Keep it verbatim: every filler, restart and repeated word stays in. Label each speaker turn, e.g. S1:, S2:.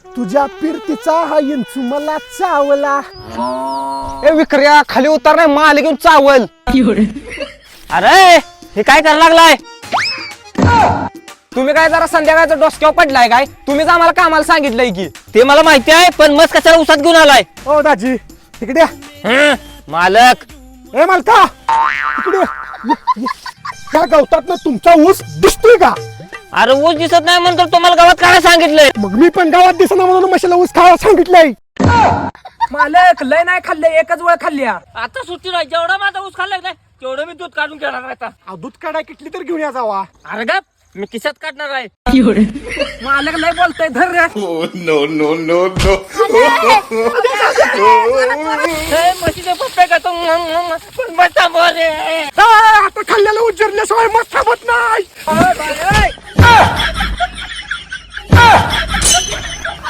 S1: तुझ्या पिरतीचा हा इंचू मला चावला.
S2: ए विक्रिया खाली उतर नाही माल घेऊन चावल. अरे हे काय करायला लागलाय तुम्ही? काय जरा संध्याकाळचा डोसक्यावर पडलाय काय? तुम्हीच आम्हाला कामाला सांगितलंय की. ते मला माहिती आहे पण मस्त कशाला उसात घेऊन आलाय?
S1: ओ दाजी तिकडे या.
S2: हं, मालक
S1: ए मालका तिकडे या. ये, ये. त्या गवतात ना तुमचा ऊस दिसतोय का?
S2: अरे ऊस दिसत नाही म्हणतो तुम्हाला गावात काय सांगितलंय?
S1: मग मी पण गावात दिसना म्हणून मशाला ऊस खायला सांगितलंय.
S3: मालक लय नाही खाल्ले, एकच वेळ खाल्ल्या.
S2: आता सुट्टी नाही, जेवढा माझा ऊस खाल्लाय नाही तेवढं मी दूध काढून घेणार आहे आता.
S1: अहो, दूध काढाय किटली तर घेऊन या जावा.
S2: अरे गप, मी खिशात काढणार आहे.
S3: मालक लय बोलतोय, धर रे.
S2: हे म्हशीचे पप्पे का तो पण बस थांबव रे.
S1: आ, आता खाल्ल्याला उज्जरल्याशिवाय मस्त थांबत नाही.